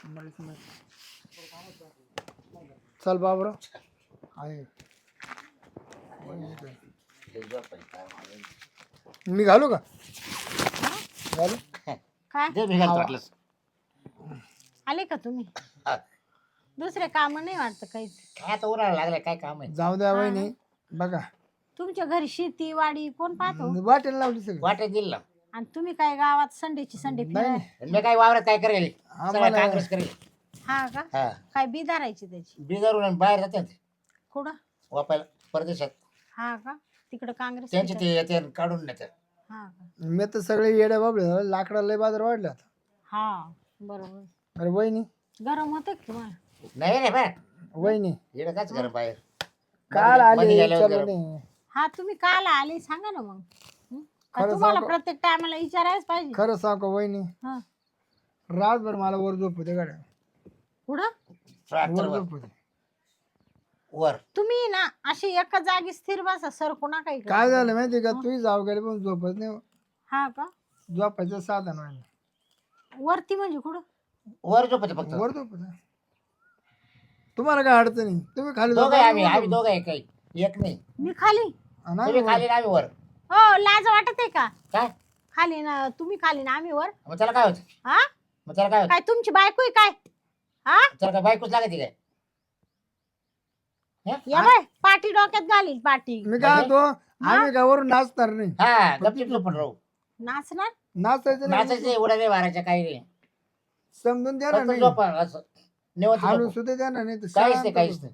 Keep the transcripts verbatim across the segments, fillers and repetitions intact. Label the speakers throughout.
Speaker 1: चल बाबरा आहे मी घालू का घालू
Speaker 2: काय
Speaker 3: दे मी घालतो वाटलंस.
Speaker 2: आले का तुम्ही? दुसरे काम नाही वाटत काहीच.
Speaker 3: काय आता उन्हाळा लागलाय, काय काम आहे?
Speaker 1: जाऊ द्या वहिनी बघा
Speaker 2: तुमच्या घरी शेती वाडी कोण पाहतो?
Speaker 1: वाटेल लावली सगळं
Speaker 3: वाटत दिल ना.
Speaker 2: आणि तुम्ही काय गावात संडेची संडे
Speaker 1: नाही
Speaker 2: फिराय?
Speaker 1: नाही.
Speaker 3: मी काय वावरात काय करेल? सगळं
Speaker 1: आम्हाला-
Speaker 3: काँग्रेस करेल.
Speaker 2: हा का?
Speaker 3: हा
Speaker 2: काय बी धरायची त्याची?
Speaker 3: बिगारून बाहेर जातात
Speaker 2: कुठं?
Speaker 3: वापायला परदेशात.
Speaker 2: हा का? तिकडे काँग्रेस
Speaker 3: त्यांचे
Speaker 2: पिकं-
Speaker 3: ते येते आणि काढून नेतात.
Speaker 2: हा का?
Speaker 1: मी तर सगळे येड्या बाबळे लाकडा लय बाजार वाढले आता
Speaker 2: हा बरोबर.
Speaker 1: अरे वहिनी
Speaker 2: गरम होतं की तुम्हाला?
Speaker 3: नाही रे बा,
Speaker 1: वहिनी
Speaker 3: येणं काच घर बाहेर.
Speaker 1: काल
Speaker 3: मध्ये
Speaker 1: आले
Speaker 3: गेल्यावर
Speaker 1: चलो
Speaker 3: गरम.
Speaker 1: नाही
Speaker 2: हा तुम्ही काल आले सांगा ना मग. हं? का
Speaker 1: खरं
Speaker 2: तुम्हाला
Speaker 1: सांगू?
Speaker 2: प्रत्येक टायमाला विचारायच पाहिजे?
Speaker 1: खरं सांगू वहिनी
Speaker 2: हा.
Speaker 1: रातभर मला वर झोप होते गाड्या
Speaker 2: कुठं?
Speaker 1: वर
Speaker 3: ट्रॅक्टरवर
Speaker 1: झोप होते
Speaker 3: वर.
Speaker 2: तुम्ही ना अशी एका जागी स्थिर बसा सर कोणा काही
Speaker 1: काय झालं माहिती का तू जाऊ गेले पण झोपत नाही
Speaker 2: हा का?
Speaker 1: झोपायचं साधन व्हायला
Speaker 2: वरती म्हणजे कुठं?
Speaker 3: वर झोपते फक्त.
Speaker 1: वर झोप होते. तुम्हाला काय अडचण नाही तुम्ही खाली
Speaker 3: दोघं आहे आम्ही
Speaker 1: झोपा,
Speaker 3: आम्ही दोघं आहे काही एक नाही.
Speaker 2: मी खाली?
Speaker 1: आणि
Speaker 3: तुम्ही
Speaker 1: आम्ही
Speaker 3: खाली ना आम्ही वर.
Speaker 2: हो लाज वाटत आहे का?
Speaker 3: काय
Speaker 2: खाली ना तुम्ही खाली ना आम्ही वर?
Speaker 3: मग त्याला काय होतं?
Speaker 2: हा
Speaker 3: मग त्याला काय होतं?
Speaker 2: काय तुमची बायको आहे काय? हा
Speaker 3: त्याला काय बायकोच लागते काय?
Speaker 2: या बाय पाठी डोक्यात घालील पाठी.
Speaker 1: मी काय तो आम्ही काय वरून नाचणार नाही
Speaker 3: हा गपचिप झोपून राहू.
Speaker 2: नाचणार?
Speaker 1: नाचायचं नाही
Speaker 3: नाचायचं नाही, उड्या नाही मारायच्या, काही नाही.
Speaker 1: समजून द्या ना
Speaker 3: फक्त
Speaker 1: नाही
Speaker 3: झोपा असं निवांत
Speaker 1: हालू
Speaker 3: झोपू.
Speaker 1: सुद्धा द्या ना नाही तर
Speaker 3: काहीच
Speaker 1: शांत
Speaker 3: नाही काहीच
Speaker 1: बस.
Speaker 3: नाही.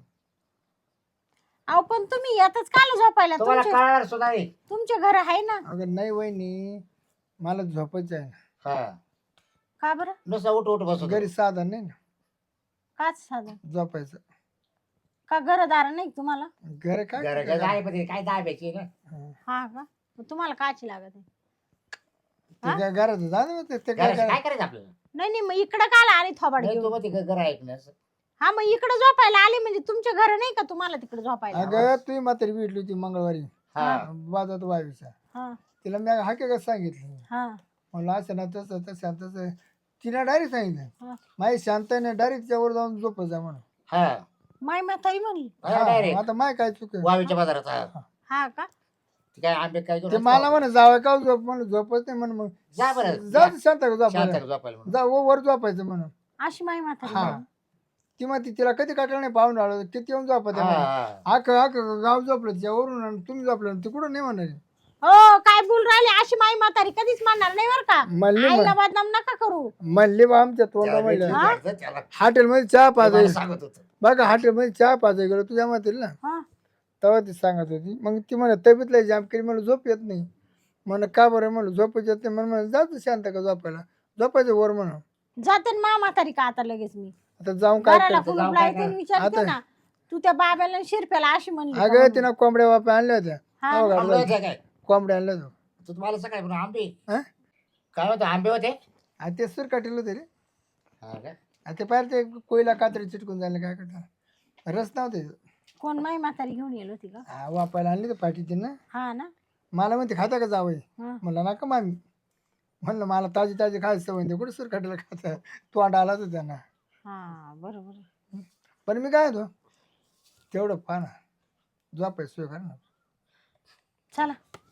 Speaker 2: अहो पण तुम्ही येतच काल झोपायला?
Speaker 3: तुम्हाला
Speaker 2: तुमचे
Speaker 3: कळणार सुद्धा नाही.
Speaker 2: तुमचे घर आहे ना?
Speaker 1: अगं नाही वहिनी मला झोपायचं आहे
Speaker 3: हा
Speaker 2: का बरं?
Speaker 3: नुसतं उठ उठ बसू
Speaker 1: घरी साधन नाही ना
Speaker 2: काच साधं
Speaker 1: झोपायचं
Speaker 2: का? घरदार नाही तुम्हाला?
Speaker 1: घर काय
Speaker 3: घर
Speaker 1: करता?
Speaker 3: काय पण काय दाबायची ना.
Speaker 1: हं.
Speaker 2: हा का? मग तुम्हाला काची लागत आहे?
Speaker 1: ते काय घरात जा ना ते- ते काय
Speaker 3: घराचं
Speaker 1: करा-
Speaker 3: काय करायचं आपल्याला?
Speaker 2: नाही नाही मग इकडं काल आली थोबाड
Speaker 3: नाही, तू
Speaker 2: घेऊन?
Speaker 3: मग ते घर ऐकणं असं.
Speaker 2: हा मग इकडे झोपायला आली म्हणजे तुमचे घर नाही का तुम्हाला तिकडे झोपायला?
Speaker 1: अगं तुम्ही म्हातारी भेटली होती मंगळवारी
Speaker 3: हा
Speaker 1: बाजारात वावीचा
Speaker 2: हा
Speaker 1: तिला मी हकीकत सांगितलं
Speaker 2: हा
Speaker 1: म्हणलं असं ना तसं तसं तसं तिने डायरेक्ट सांगितलं
Speaker 2: हा.
Speaker 1: माझी शांताने डायरेक्ट त्यावर जाऊन झोपत जा म्हणून
Speaker 3: हा
Speaker 2: माय म्हातारी म्हणली?
Speaker 1: हा,
Speaker 3: डायरेक्ट
Speaker 1: आता माय काय चुक
Speaker 3: वावीच्या बाजारात. हा
Speaker 2: हा का?
Speaker 3: ते काय आंबे काय घेऊन
Speaker 1: ते
Speaker 3: असतो?
Speaker 1: मला म्हणा जावं का झोप म्हणून झोपत नाही म्हणून मग
Speaker 3: जा बरं
Speaker 1: जाऊ दे, शांत का
Speaker 3: शांत
Speaker 1: झोपायला
Speaker 3: झोपायला म्हणून.
Speaker 1: जा व- वर झोपायचं म्हणून
Speaker 2: अशी माय म्हातारी
Speaker 1: हा
Speaker 2: म्हणली?
Speaker 1: ती मग ती तिला कधी काटलं नाही पाहून आलो किती येऊन झोपत
Speaker 3: हा, हा.
Speaker 1: आख आख गाव झोपलं त्यावरून आणि तुम्ही झोपलं ते कुठं नाही म्हणणार
Speaker 2: हो काय बोल राहिले? अशी माई म्हातारी कधीच म्हणणार नाही बर का?
Speaker 1: म्हणली
Speaker 2: आईला
Speaker 1: म्हण-
Speaker 2: बदनाम नका करू.
Speaker 1: म्हणली बा आमच्या तोंडा
Speaker 3: त्याला
Speaker 1: म्हणलं
Speaker 3: भेटलं जायचं, त्याला
Speaker 1: हॉटेलमध्ये चहा
Speaker 3: ते
Speaker 1: पाजाय
Speaker 3: मला सांगत होतं.
Speaker 1: बघा हॉटेलमध्ये चहा पाजाय गेलो तुझ्या मातील ना
Speaker 2: हा
Speaker 1: तेव्हा ती सांगत होती मग ती म्हणत तब्येतला जाम केली मला झोप येत नाही म्हण का बरं म्हणलं झोप येत नाही म्हणून म्हणलं जातो शांत का झोपायला झोपायचं वर म्हणून
Speaker 2: जाते ना मा म्हातारी का आता लगेच मी
Speaker 1: आता जाऊन काय
Speaker 2: घराला
Speaker 1: करतो
Speaker 2: कुलूप
Speaker 3: काय
Speaker 2: लावते आणि विचारते
Speaker 1: आता-
Speaker 2: ना तू त्या बाब्याला आणि शिरप्याला अशी म्हणली का
Speaker 1: अगं
Speaker 2: म्हणून?
Speaker 1: तिनं कोंबड्या वाप्या आणल्या होत्या
Speaker 2: हा.
Speaker 1: हो,
Speaker 3: आंबे
Speaker 1: घातलं.
Speaker 3: होते काय?
Speaker 1: कोंबड्या आणल्या होत्या
Speaker 3: तू तुम्हाला सकाळी म्हणून आंबे
Speaker 1: हं?
Speaker 3: काय होतं? आंबे होते.
Speaker 1: आणि ते सूर काटेल होते रे
Speaker 3: हा का?
Speaker 1: आणि ते पाहिजे ते कोयला कात्री चिटकून झाले काय करता रस नव्हते
Speaker 2: कोण माई म्हातारी घेऊन येलो होती का?
Speaker 1: हा वापायला आणली तर पाठी तिनं
Speaker 2: हा ना?
Speaker 1: मला म्हणते खाता का जावं
Speaker 2: हा.
Speaker 1: म्हणलं नका मामी म्हणलं मला ताजी ताजी खायचं सवय नाही कुठे सूर काटेला खायचं तू अंडा आला होता त्यांना
Speaker 2: हा बरोबर.
Speaker 1: पण मी काय होतो तेवढं पहा ना झोपायचं सोय कर ना
Speaker 2: चला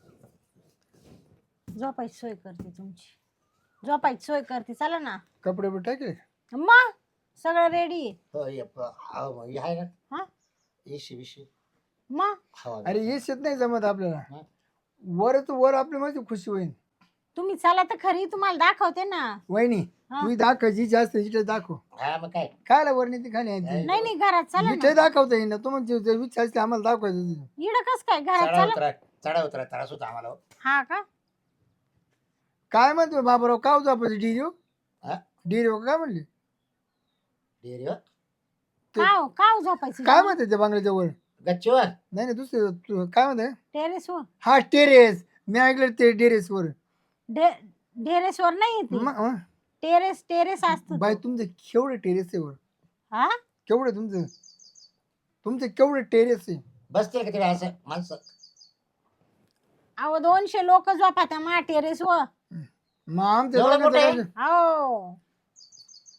Speaker 2: झोपायची सोय करते तुमची. झोपायची सोय करते चला ना.
Speaker 1: कपडे बिपडे टाकले
Speaker 2: मग सगळं रेडी.
Speaker 3: हो, ये प- हा, मग हे आहे ना
Speaker 2: हा
Speaker 3: एशी बिशी
Speaker 2: मग
Speaker 3: हवा.
Speaker 1: अरे हे शेत नाही जमत आपल्याला
Speaker 3: हा.
Speaker 1: वरच वर आपली माझी खुशी होईल
Speaker 2: तुम्ही चला तर खरी तुम्हाला दाखवते ना.
Speaker 1: वहिनी
Speaker 2: हा.
Speaker 1: तू दाखव जी जास्त इथे दाखव
Speaker 3: हा मग काय
Speaker 1: खायला वर नाही ती खाली आहे ती.
Speaker 2: नाही नाही घरात चला
Speaker 1: इथे
Speaker 2: ना.
Speaker 1: दाखवता येईन ना तुम्हाला विचार असते आम्हाला दाखवायचं ते.
Speaker 2: इड कस काय घरात
Speaker 3: चढा
Speaker 2: चला.
Speaker 3: उतरा चढा उतरा त्रास होता आम्हाला.
Speaker 2: हा का?
Speaker 1: काय म्हणतो बाबराव काव झोपायचं डिरिओ
Speaker 3: हा?
Speaker 1: डिरिओ काय म्हणली
Speaker 3: डेअरीवर
Speaker 2: काव काव झोपायची
Speaker 1: काय म्हणते त्या बांगल्याच्या वर
Speaker 3: गच्चीवर
Speaker 1: नाही नाही दुसरे तू- काय म्हणते
Speaker 2: टेरेस वर?
Speaker 1: हा टेरेस मी ऐकलं ते टेरेस वर
Speaker 2: टेरेस वर नाही येते.
Speaker 1: म- अं,
Speaker 2: टेरेस टेरेस असत.
Speaker 1: बाई तुमचं केवढं टेरेस आहे वर
Speaker 2: हा
Speaker 1: केवढं तुमचं तुमचं केवढं टेरेस आहे
Speaker 3: बसतील का तिला असं माणसं?
Speaker 2: अहो दोनशे लोक झोपा त्या मा टेरेस वर.
Speaker 1: मग आमच्या
Speaker 3: एवढं
Speaker 1: दोघांचं
Speaker 3: मोठं आहे?
Speaker 1: काय-
Speaker 2: हो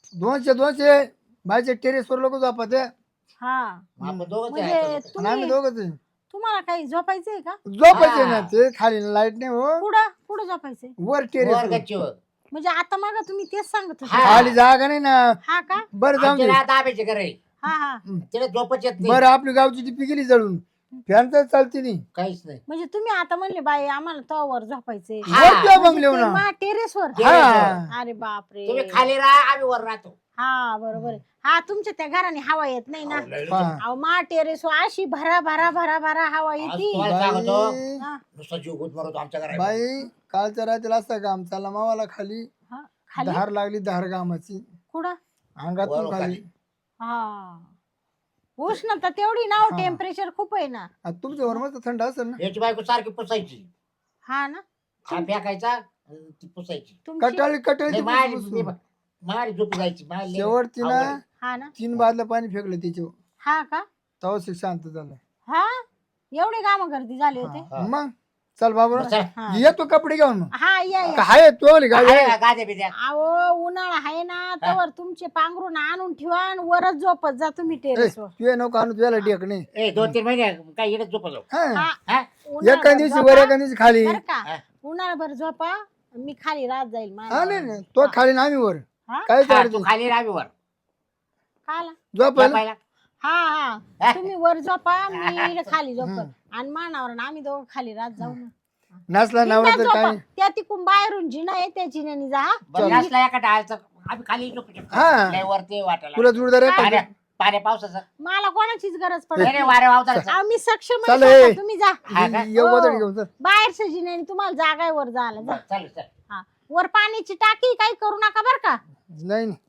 Speaker 1: दोनशे दोनशे बायच्या टेरेसवर लोक झोपत आहे
Speaker 2: हा
Speaker 3: मग आपण दोघंच
Speaker 2: म्हणजे
Speaker 3: आहे.
Speaker 1: आणि आम्ही
Speaker 2: तुम्ही
Speaker 1: दोघंच आहे.
Speaker 2: तुम्हाला काही झोपायचंय का
Speaker 1: झोपायचे
Speaker 3: हा.
Speaker 1: ना ते खाली लाईट नाही हो
Speaker 2: कुठं कुठं झोपायचंय
Speaker 1: वर
Speaker 3: वर
Speaker 1: टेरेस
Speaker 3: गच्चीवर.
Speaker 2: म्हणजे आता मग तुम्ही तेच सांगत होते
Speaker 3: हा.
Speaker 1: खाली जागा नाही ना
Speaker 2: हा का
Speaker 1: बरं जाऊन
Speaker 3: आमच्या
Speaker 1: दे
Speaker 3: राहत आंब्याचे घर आहे.
Speaker 2: हा हा
Speaker 3: तिला झोपच येत नाही.
Speaker 1: बरं आपली गावची टिपी गेली जळून फॅन तर चालते नाही
Speaker 3: काहीच नाही.
Speaker 2: म्हणजे तुम्ही आता म्हणले बाई आम्हाला तवावर झोपायचे
Speaker 3: हा.
Speaker 1: वर किंवा बंगल्यावर ना
Speaker 2: टेरेसवर
Speaker 1: हा
Speaker 2: अरे बापरे
Speaker 3: तुम्ही खाली राहा आम्ही वर राहतो.
Speaker 2: हा बरोबर आहे. हा तुमच्या त्या घराने हवा येत नाही ना
Speaker 3: अहो, लय
Speaker 1: हा.
Speaker 2: अहो मा टेरेस अशी भरा भरा भरा भरा हवा
Speaker 3: आज
Speaker 2: येते
Speaker 3: तुम्हाला सांगतो
Speaker 1: बाई
Speaker 2: हा,
Speaker 3: नुसता जीव गुद मरतो आमच्या घरात.
Speaker 1: बाई कालच्या रात्रीला असता काम चालला मावाला खाली
Speaker 2: हा. खाली
Speaker 1: धार लागली धार कामाची
Speaker 2: कुठं
Speaker 1: अंगातून
Speaker 3: वर
Speaker 1: खाली
Speaker 3: खाली.
Speaker 2: हा उष्णता तेवढी ना
Speaker 1: हा.
Speaker 2: टेम्परेचर खूप आहे ना
Speaker 1: आता तुमच्या वर मस्त थंड असेल ना
Speaker 3: याची बायको सारखी पुसायची.
Speaker 2: हा ना
Speaker 3: हा फेकायचा आणि ती पुसायची.
Speaker 2: तुमची
Speaker 1: कटाळी कटाळी
Speaker 3: नाही,
Speaker 1: ती
Speaker 3: मारी
Speaker 1: पुसून.
Speaker 3: मारी झोपी जायची. मारी लय
Speaker 1: शेवट तिनं
Speaker 3: अवघड.
Speaker 2: हा ना
Speaker 1: तीन बादलं पाणी फेकलं तिच्यावर
Speaker 2: हा का
Speaker 1: तेव्हा शिक शांत झालं
Speaker 2: हा एवढे काम गर्दी झाले होते
Speaker 1: हा. मग चल बाबा
Speaker 3: मग चल.
Speaker 2: हा.
Speaker 1: येतो कपडे घेऊन मग
Speaker 2: हा या या
Speaker 1: हाय तो वाली गाडी
Speaker 3: आहे ना, गाद्या बिद्या.
Speaker 2: अहो उन्हाळा आहे ना तवर तुमचे पांघरून आणून ठेवा आणि वरच झोपत जा तुम्ही टेरेसवर
Speaker 1: तू नको आणू तुला डेक नाही
Speaker 3: ए दोन तीन महिने काय इकडे झोपा जाऊ.
Speaker 1: हा.
Speaker 2: हा
Speaker 3: हा?
Speaker 1: एका
Speaker 2: उन्हाळ्याभर
Speaker 1: दिवशी
Speaker 2: झोपा,
Speaker 1: वर एका दिवशी खाली
Speaker 2: बरं का
Speaker 3: हा.
Speaker 2: उन्हाळाभर झोपा मी खाली राहत जाईल
Speaker 1: हा
Speaker 2: माझ्या
Speaker 1: नाही नाही तो खाली ना आम्ही वर
Speaker 2: हा?
Speaker 1: काय
Speaker 3: हा,
Speaker 1: चालत
Speaker 3: तू खाली राहावी वर.
Speaker 2: काला
Speaker 1: झोपायला
Speaker 3: झोपायला.
Speaker 2: हा हा तुम्ही वर झोपा मी इकडे खाली झोपत आणि मानावर ना आम्ही दोघं खाली राहत जाऊ ना
Speaker 1: नसला नवरा
Speaker 2: बिनधास्त
Speaker 1: तर
Speaker 2: झोपा.
Speaker 1: काय
Speaker 2: त्या तिकून बाहेरून जिना आहे त्या जिन्याने जा हा.
Speaker 3: बरं, नसला एका डाळाचं आम्ही खाली झोपू शकतो.
Speaker 1: हा.
Speaker 3: लय वरती वाटायला.
Speaker 1: तुला जोडदार आहे का?
Speaker 3: पाण्या पाण्या पावसाचं.
Speaker 2: मला कोणाचीच गरज पडत
Speaker 3: नाही रे,
Speaker 2: नाही.
Speaker 3: वारे वावताला.
Speaker 2: अहो, मी सक्षम
Speaker 1: चल
Speaker 2: आहे
Speaker 1: ए.
Speaker 2: स्वतः, तुम्ही जा
Speaker 3: हा का?
Speaker 1: येऊ
Speaker 2: हो.
Speaker 1: गोधडी घेऊन चल.
Speaker 2: बाहेरच्या जिन्याने तुम्हाला जागा आहे वर जायला जा
Speaker 3: चालेल चालेल.
Speaker 2: हा वर पाण्याची टाकी काही करू नका बर का
Speaker 1: नाही नाही.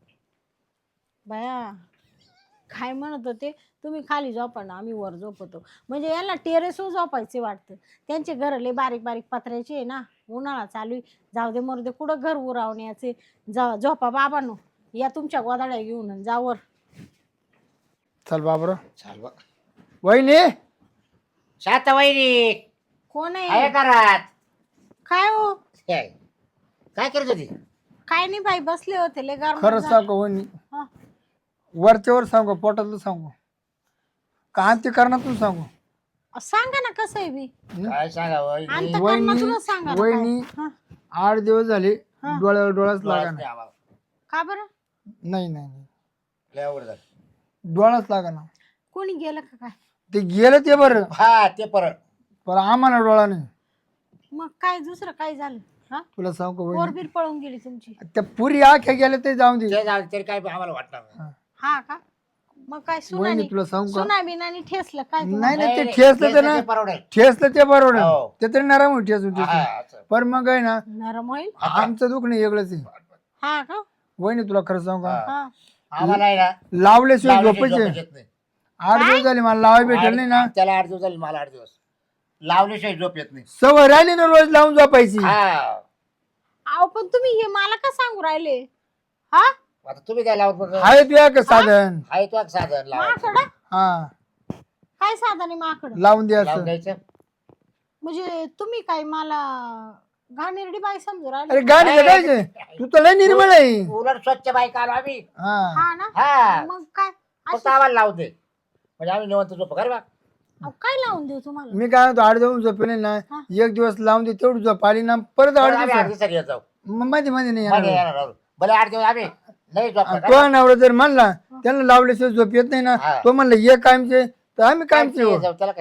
Speaker 2: बया काय म्हणत होते तुम्ही खाली झोपा ना आम्ही वर झोपतो म्हणजे यांना टेरेसवर झोपायचे वाटतं त्यांचे घर लय बारीक बारीक पत्र्याचे आहे ना उन्हाळा चालू आहे. जाऊ दे मरू दे कुठं घर उरावण्याचे जा झोपा बाबांनो या तुमच्या गोदाड्या घेऊन आणि जा वर
Speaker 1: चल बाबर
Speaker 3: चाल बघ.
Speaker 1: वहिनी
Speaker 3: शांत वहिनी
Speaker 2: कोण
Speaker 3: आहे
Speaker 2: आहे
Speaker 3: घरात.
Speaker 2: काय हो
Speaker 3: काय काय करत होती?
Speaker 2: काय नाही बाई बसले होते लय गार
Speaker 1: खरंच सांगू वहिनी वरच्या वर सांगू पोटातलं सांगू का अंत्य करण्यातून सांगू
Speaker 2: सांगा ना कसं आहे बी
Speaker 3: काय सांगा वहिनी?
Speaker 2: अंतकरणातूनच सांगा ना
Speaker 1: वहिनी
Speaker 2: काय. हा.
Speaker 1: आठ दिवस झाले डोळ्यावर डोळाच लागा
Speaker 3: डोळाच
Speaker 1: ना
Speaker 3: नाही आम्हाला.
Speaker 2: का बरं
Speaker 1: नाही नाही नाही.
Speaker 3: लय अवघड झालं.
Speaker 1: डोळाच लागा ना
Speaker 2: कोणी गेलं का काय
Speaker 1: ते गेलं ते बरं
Speaker 3: हा ते परत
Speaker 1: पण आम्हाला डोळा नाही
Speaker 2: मग काय दुसरं काय झालं हा
Speaker 1: तुला सांगू वहिनी
Speaker 2: पोरबीर पळून गेली तुमची
Speaker 1: त्या पुरी आख्या गेल्या ते जाऊन दे
Speaker 3: ते जाऊ दे, तरी काय आम्हाला वाटणार नाही.
Speaker 2: हा का मग काय
Speaker 1: वहिनी
Speaker 2: सुनानी
Speaker 1: तुला सांगू का
Speaker 2: सुना बिनानी ठेसलं काय तुम्हाला?
Speaker 1: नाही नाही ते
Speaker 3: नाही,
Speaker 1: ठेसलं
Speaker 3: ते
Speaker 1: तर ना
Speaker 3: ते परवडेल.
Speaker 1: ठेसलं ते बरोबर
Speaker 3: हो.
Speaker 1: ते तरी नरम होती ठेसून
Speaker 3: हा,
Speaker 1: ठेसून
Speaker 3: असं.
Speaker 1: पण मग आहे ना
Speaker 2: नरम होईल
Speaker 1: आमचं दुःख नाही वेगळंच आहे
Speaker 2: हा का
Speaker 1: वहिनी तुला खरं सांगू का
Speaker 3: हा.
Speaker 2: हा
Speaker 3: आम्हाला आहे ना
Speaker 1: लावल्याशिवाय
Speaker 3: लावल्याशिवाय
Speaker 1: झोपायचे
Speaker 3: झोपच येत नाही.
Speaker 1: आठ दिवस झाले मला लावाय भेटेल नाही ना
Speaker 3: त्याला आठ दिवस झाले मला आठ दिवस लावल्याशिवाय झोप येत नाही.
Speaker 1: सवय राहिली ना रोज लावून झोपायची
Speaker 3: हा
Speaker 2: अहो पण तुम्ही हे मला का सांगू राहिले हा
Speaker 3: आता तुम्ही काय लावत बघ.
Speaker 1: आहे तुझ्या का साधन
Speaker 3: आहे तो एक साधन लाव
Speaker 2: माकडं
Speaker 1: हा
Speaker 2: काय साधन आहे माकडं
Speaker 1: लावून
Speaker 3: लावून
Speaker 1: द्यायचं
Speaker 3: द्यायचं.
Speaker 2: म्हणजे तुम्ही काय मला घाणेरडी बाई समजू
Speaker 1: अरे
Speaker 2: राहिले
Speaker 1: गाडी जगायचे तू तर लय निर्मळ आहे
Speaker 3: उलट स्वच्छ बाईक आलो आम्ही.
Speaker 1: हा
Speaker 2: हा ना
Speaker 3: हा
Speaker 2: मग काय
Speaker 3: फक्त
Speaker 2: अशी-
Speaker 3: आम्हाला लावून दे म्हणजे आम्ही निवंत झोप कर बा.
Speaker 2: अहो, काय लावून देऊ तुम्हाला
Speaker 1: मी काय म्हणतो आठ दिवस झोपेले ना
Speaker 2: हा.
Speaker 1: एक दिवस लावून दे तेवढी झोप आली ना परत
Speaker 3: परत
Speaker 1: आठ
Speaker 3: आम्ही आठ
Speaker 1: दिवस
Speaker 3: दिवसात येत जाऊ.
Speaker 1: मध्ये मध्ये नाही
Speaker 3: मध्ये
Speaker 1: येणार.
Speaker 3: येणार आहोत. भले आठ दिवस आम्ही नाही झोप
Speaker 1: आणि तो नवरा जर म्हणला त्यांना लावल्याशिवाय झोप येत नाही ना
Speaker 3: हा.
Speaker 1: तो म्हणलं ये कायमचे तर आम्ही कायमचे हो.
Speaker 3: जाऊ त्याला काय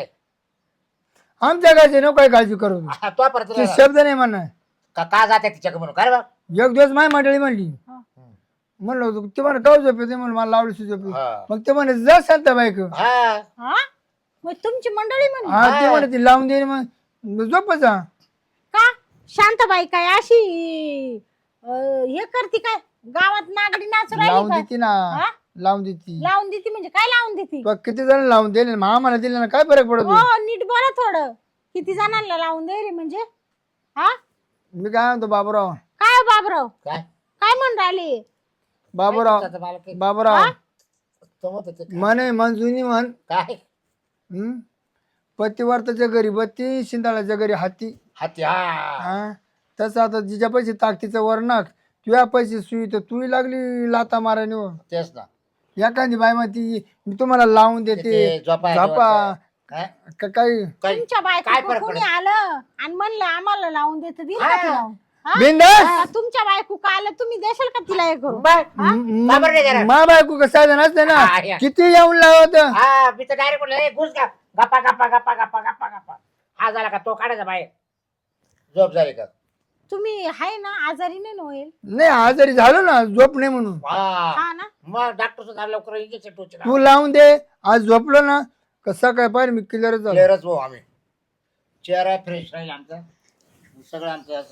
Speaker 1: आमच्या गायचे नको काय काळजी करू
Speaker 3: हा, तो परत
Speaker 1: ते शब्द नाही म्हणा
Speaker 3: का का जाते तिच्याकडे म्हणून काय बा.
Speaker 1: एक दिवस माय मंडळी म्हणली
Speaker 2: हा.
Speaker 1: म्हणलं होतं ते म्हणा काऊ झोप येते म्हणून मला लावल्याशिवाय झोप येते.
Speaker 3: हा.
Speaker 1: मग ते म्हणे जा शांत बाईक
Speaker 3: हा
Speaker 2: हा मग तुमची मंडळी म्हणे
Speaker 1: हा ते म्हणे ती लावून दे मग झोपायचा
Speaker 2: का शांताबाई काय अशी अं, हे करते काय गावात नागडी नाचू राहिली
Speaker 1: लावून
Speaker 2: काय
Speaker 1: देते ना
Speaker 2: हा?
Speaker 1: लावून देते
Speaker 2: लावून देते म्हणजे काय लावून देते
Speaker 1: तो किती जण लावून दिले मग आम्हाला दिले ना काय फरक पडतो
Speaker 2: हो नीट बोला थोडं किती जणांना लावून दे रे म्हणजे हा
Speaker 1: मी काय म्हणतो बाबूराव
Speaker 2: काय हो बाबराव
Speaker 3: काय
Speaker 2: काय म्हणून राहिले
Speaker 1: बाबूराव
Speaker 3: आता मला काही-
Speaker 1: बाबूराव
Speaker 3: तो म्हणतो ते काय?
Speaker 1: म्हणे मंजुनी म्हण
Speaker 3: काय
Speaker 1: हम्म? पतिवर्ताच्या घरी बत्ती शिंदाळाच्या घरी हाती
Speaker 3: हाती हा
Speaker 1: हा तसं आता जिच्या पैसे ताकदीचं वरणाक तुझ्या पैसे सुई तर तू लागली लाता मारायने हो.
Speaker 3: तेच ना
Speaker 1: एखादी बाय माती मी तुम्हाला लावून देते
Speaker 3: ते झोपा
Speaker 1: झोपा
Speaker 3: काय
Speaker 1: का- काही
Speaker 3: काही-
Speaker 2: तुमच्या
Speaker 3: काय
Speaker 2: बायको
Speaker 3: फरक
Speaker 2: कोणी
Speaker 3: पडत?
Speaker 2: आलं आणि म्हणलं आम्हाला लावून देत दिलं
Speaker 3: हा.
Speaker 2: का ती लावून? हा?
Speaker 1: बिंदास
Speaker 2: का तुमच्या बायको का आलं तुम्ही देशाल का तिला हे करू
Speaker 3: बर. का बरं नाही देणार?
Speaker 1: मा बायको कसं साधन असते ना
Speaker 3: हा, या.
Speaker 1: किती येऊन लावत
Speaker 3: हा मी तर डायरेक्ट बोललो "ए, घुस का गप्पा गप्पा गप्पा गप्पा गप्पा गप्पा हा झाला का तो काढायचा बाहेर झोप झाली का
Speaker 2: तुम्ही आहे ना आजारी नाही ना होईल
Speaker 1: नाही आजारी झालो ना झोप नाही म्हणून
Speaker 3: हा
Speaker 2: हा ना
Speaker 3: मग डॉक्टर सुद्धा लवकर इंजेक्शन टोचला
Speaker 1: तू लावून दे आज झोपलो ना कसा काय पाहिजे मी क्लिअर झालो
Speaker 3: क्लिअरच भाऊ आम्ही चेहरा फ्रेश राहील आमचा सगळं आमचं असं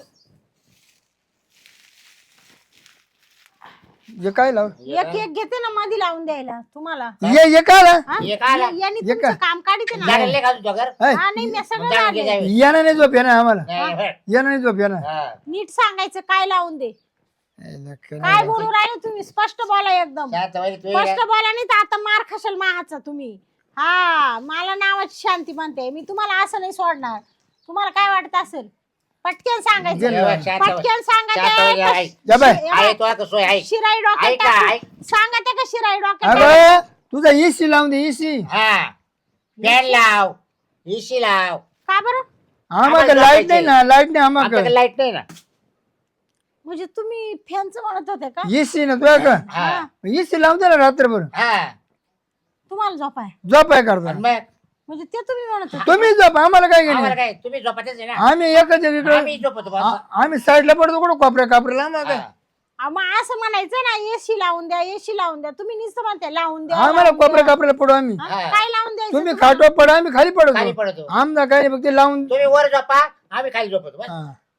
Speaker 1: जे काय लाव
Speaker 2: एक एक घेते ना मध्ये लावून द्यायला तुम्हाला
Speaker 1: ये ये काय ला?
Speaker 2: हा?
Speaker 3: हे काय आला?
Speaker 2: या- यांनी
Speaker 1: हे
Speaker 2: तुमचं
Speaker 1: काय?
Speaker 2: काम काढते ना
Speaker 3: लागले का तुझ्या घर
Speaker 1: हाय,
Speaker 2: हा नाही मी सगळं
Speaker 3: जाणून घे
Speaker 2: लागले.
Speaker 3: जावे.
Speaker 1: यानं नाही झोप येणार आम्हाला
Speaker 3: नाही, होय.
Speaker 1: यानं नाही झोप येणार
Speaker 3: हा.
Speaker 2: नीट सांगायचं काय लावून दे
Speaker 1: ए, नक्की
Speaker 2: काय
Speaker 1: नाही.
Speaker 2: बोलू राहिले तुम्ही स्पष्ट बोला एकदम
Speaker 3: शांत बाई, तू
Speaker 2: स्पष्ट
Speaker 3: ये.
Speaker 2: बोला नाही तर आता मार खाशाल माहाचा तुम्ही हा मला नावाची शांती म्हणते मी तुम्हाला असं नाही सोडणार तुम्हाला काय वाटत असेल पटकन सांगायचं
Speaker 1: गेलं.
Speaker 3: शांत बाई.
Speaker 2: पटकन
Speaker 3: शांत बाई,
Speaker 2: सांगायचं
Speaker 3: आई.
Speaker 1: जा बाय.
Speaker 3: आहे तो आता सोय आहे
Speaker 2: शिराई डोक्यात
Speaker 3: ऐका,
Speaker 2: टाकू.
Speaker 3: ऐक.
Speaker 2: सांगा त्या का शिराई डोक्यात टाकू.
Speaker 1: अगं तुझा एसी लावून दे एसी
Speaker 3: हा फॅन लाव एसी लाव
Speaker 2: का बरं
Speaker 1: आम्हाला
Speaker 3: आम्हाला
Speaker 1: लाईट नाही
Speaker 3: झोपायचंय.
Speaker 1: ना लाईट नाही
Speaker 3: आमच्याकडे
Speaker 1: आम्हाला
Speaker 3: लाईट नाही ना
Speaker 2: म्हणजे तुम्ही फॅनचं म्हणत होते का
Speaker 1: एसी ना तुझ्या का
Speaker 3: हा
Speaker 1: एसी लावून दे ना रात्रभर
Speaker 3: हा
Speaker 2: तुम्हाला झोप आहे
Speaker 1: झोप आहे करता
Speaker 3: आणि मग
Speaker 2: म्हणजे ते तुम्ही म्हणत होते
Speaker 1: तुम्ही झोप आम्हाला काय
Speaker 3: आम्हाला
Speaker 1: घेणे
Speaker 3: काय तुम्ही झोपायचंच आहे ना
Speaker 1: आम्ही एकच इकडे
Speaker 3: आम्ही झोपतो बस.
Speaker 1: आम्ही साईडला पडतो कुठं कोपऱ्या कापऱ्याला आम्हाला काय
Speaker 3: हा.
Speaker 2: अहो, मग असं म्हणायचं ना एसी लावून द्या एसी लावून द्या तुम्ही नुसतं म्हणते लावून द्या
Speaker 1: आम्हाला
Speaker 2: लावून
Speaker 1: कोपऱ्या
Speaker 2: द्या.
Speaker 1: कापऱ्याला पडू आम्ही
Speaker 2: हा?
Speaker 3: हा.
Speaker 2: काय लावून द्यायचं
Speaker 1: तुम्ही
Speaker 2: तुम्हाला?
Speaker 1: खाटो पडा आम्ही खाली
Speaker 3: खाली
Speaker 1: पडतो
Speaker 3: पडतो
Speaker 1: आमचा काय नाही फक्त लावून
Speaker 3: तुम्ही वर झोपा आम्ही खाली झोपतो बस.
Speaker 1: हा.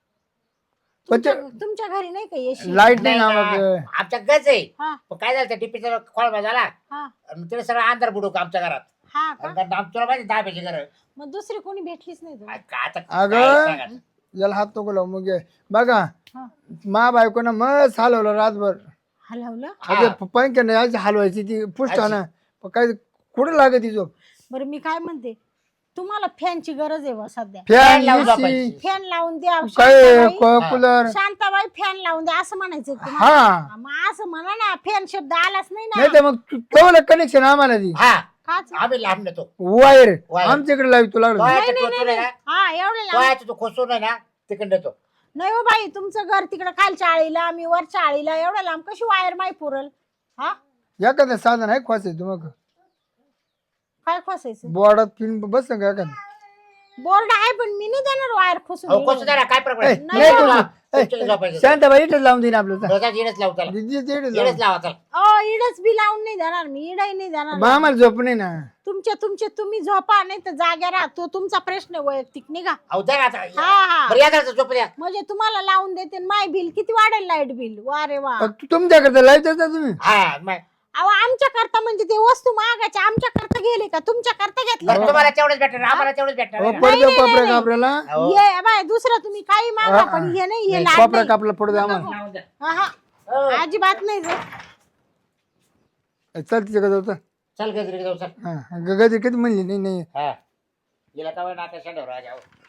Speaker 1: पण
Speaker 2: तुमच्या तुमच्या घरी नाही का एसी
Speaker 1: लाईट नाही
Speaker 3: नाही
Speaker 1: ना
Speaker 3: ना.
Speaker 1: मग
Speaker 3: आमच्या गज आहे
Speaker 2: हा
Speaker 3: पण काय झालं टीपीचा खोळबा झाला
Speaker 2: हा
Speaker 3: आणि तिने सगळं अंधार बुडू आमच्या घरात
Speaker 2: हा का
Speaker 3: आणि आम- तुला माहिती दहा पैसे घर
Speaker 2: मग दुसरी कोणी भेटलीच नाही तुम्हाला?
Speaker 3: आता
Speaker 1: अगं.
Speaker 3: काय सांगायचं?
Speaker 1: याला हात नको लावू मग ये. बघा
Speaker 2: हा.
Speaker 1: मा बायकोनं मस्त हलवलं रातभर
Speaker 2: हलवलं
Speaker 3: हा.
Speaker 1: अगं पंख नाही हलवायची ती पुष्टाना काय कुठं लागत ती झोप
Speaker 2: बरं मी काय म्हणते तुम्हाला फॅनची गरज आहे बा सध्या
Speaker 1: फॅन
Speaker 3: लावून
Speaker 1: एसी
Speaker 3: झोपायची.
Speaker 2: फॅन लावून द्या
Speaker 1: काय
Speaker 2: शांताबाई
Speaker 1: क- कूलर
Speaker 2: शांताबाई फॅन लावून द्या असं म्हणायचं तुम्हाला
Speaker 1: हा
Speaker 2: मग असं म्हणा ना फॅन शब्द आलाच नाही
Speaker 1: नाही
Speaker 2: ना
Speaker 1: तर मग केवढं कनेक्शन आम्हाला ती
Speaker 3: हा
Speaker 2: काच
Speaker 3: आम्ही लांब नेतो
Speaker 1: वायर
Speaker 3: वायर.
Speaker 1: आमच्याकडे लावी तुला
Speaker 3: तो
Speaker 1: लागलं
Speaker 3: याचं
Speaker 2: नाही,
Speaker 3: टोचून आहे ना
Speaker 2: हा एवढं
Speaker 3: तो
Speaker 2: लांब
Speaker 3: याचं तो खोसून आहे ना तिकडे नेतो
Speaker 2: नाही हो बाई तुमचं घर तिकडं खालच्या आळीला आम्ही वरच्या आळीला एवढं लांब कशी वायर माही पुरल हा
Speaker 1: एखादं साधन आहे खोसायचं मग
Speaker 2: काय खोसायचं
Speaker 1: बोर्डात पिन बस ना का एखादं
Speaker 2: बोर्ड आहे पण मी नाही देणार वायर खोसून
Speaker 3: अहो खोसून द्या ना, काय फरक
Speaker 1: ए,
Speaker 3: पडत
Speaker 2: नाही,
Speaker 1: नाही
Speaker 2: नाही,
Speaker 1: तुझं. ए,
Speaker 3: तुमच्याकडे झोपायचं.
Speaker 1: शांताबाई इथेच लावून देईन आपलं चल.
Speaker 3: रोजा जिरच लावू त्याला
Speaker 1: दीदी ते इथेच
Speaker 3: जिरच
Speaker 1: लावून.
Speaker 3: लावा त्याला
Speaker 2: ओ इडच बी लावून नाही देणार मी इडही नाही देणार
Speaker 1: बा आम्हाला झोप नाही ना
Speaker 2: तुमचे तुमचे तुम्ही झोपा नाही तर जाग्या राहा तो तुमचा प्रश्न आहे वैयक्तिक निघा
Speaker 3: अहो द्या ना आता
Speaker 2: हा हा
Speaker 3: बरं या जरा झोप द्या
Speaker 2: म्हणजे तुम्हाला लावून देते माय बिल किती वाढेल लाईट बिल वा रे वा
Speaker 1: अ, तू तुमच्याकडे लावतात ना तुम्ही
Speaker 3: हा मग
Speaker 2: अहो आमच्या करता म्हणजे ते वस्तू मागायच्या आमच्या करता गेले का तुमच्या करता घेतलं
Speaker 3: बरं, तुम्हाला तेवढंच भेटणार आम्हाला तेवढंच भेटणार
Speaker 1: हो
Speaker 3: आहे ना.
Speaker 1: पडतो
Speaker 2: नाही,
Speaker 1: कोपऱ्या
Speaker 2: नाही.
Speaker 1: कापऱ्याला
Speaker 3: अहो,
Speaker 2: ये बाय दुसरं तुम्ही काही मागा पण हे नाही हे
Speaker 1: नाही,
Speaker 2: लाड
Speaker 1: कोपऱ्या
Speaker 2: नाही.
Speaker 1: कापला पडतो आम्हाला
Speaker 3: लावून द्या.
Speaker 2: हा, हा.
Speaker 3: हो.
Speaker 2: अजिबात नाही रे.
Speaker 1: चल तिच्याकडे जाऊ चल.
Speaker 3: चल गजरी जाऊ चल
Speaker 1: हा गगदी किती म्हणली नाही नाही
Speaker 3: हा गेला का नाका शेंडावर राजा